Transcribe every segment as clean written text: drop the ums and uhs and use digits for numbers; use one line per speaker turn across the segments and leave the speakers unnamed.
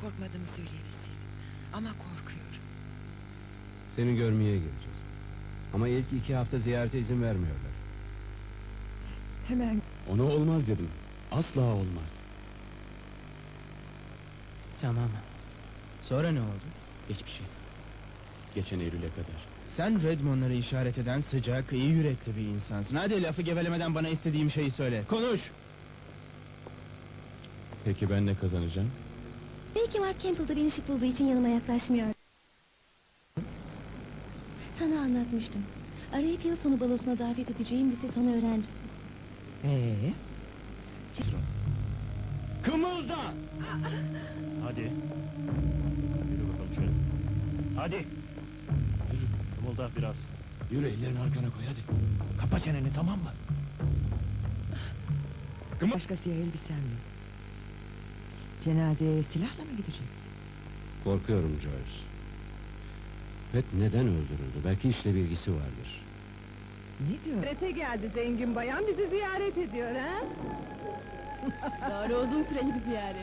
korkmadığımı söyleyebilseydim. Ama korkuyorum.
Seni görmeye geleceğiz. Ama ilk 2 hafta ziyarete izin vermiyorlar.
Hemen
Ona olmaz dedim. Asla olmaz.
Tamam. Sonra ne oldu?
Hiçbir şey. Geçen Eylül'e kadar.
Sen Redmond'ları işaret eden sıcak, iyi yürekli bir insansın. Hadi lafı gevelemeden bana istediğim şeyi söyle. Konuş!
Peki ben ne kazanacağım?
Belki Mark Campbell'da beni şık bulduğu için yanıma yaklaşmıyor. Sana anlatmıştım. Arayıp yıl sonu balosuna davet edeceğim lise sonu öğrencisi.
Kımılda!
Hadi. Yürü bakalım şöyle. Hadi. Yürü. Kımılda biraz.
Yürü, ellerini arkana koy hadi.
Kapa çeneni, tamam mı?
başka siyah elbisen yok. Cenazeye silahla mı gideceksin?
Korkuyorum Joyce. Pet neden öldürüldü? Belki işle bir ilgisi vardır.
Ne diyor?
Ziyarete geldi zengin bayan, bizi ziyaret ediyor ha?
Doğru, uzun süreli bir ziyaret.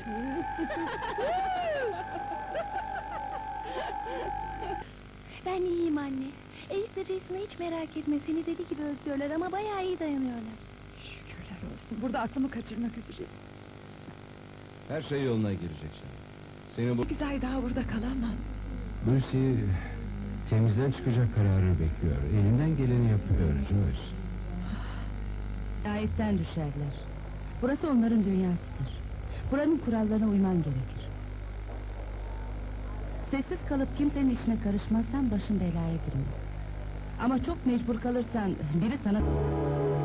Ben iyiyim anne. Ace ve Jason'ı hiç merak etme, seni deli gibi özlüyorlar ama bayağı iyi dayanıyorlar.
Şükürler olsun. Burada aklımı kaçırmak üzere.
Her şey yoluna girecek şimdi. Seni bu...
8 ay daha burada kalamam.
Lucy temizden çıkacak kararı bekliyor. Elinden geleni yapıyor Joyce.
Ayetten düşerler. Burası onların dünyasıdır. Buranın kurallarına uyman gerekir. Sessiz kalıp kimsenin işine karışmazsan başın belaya girmez. Ama çok mecbur kalırsan biri sana...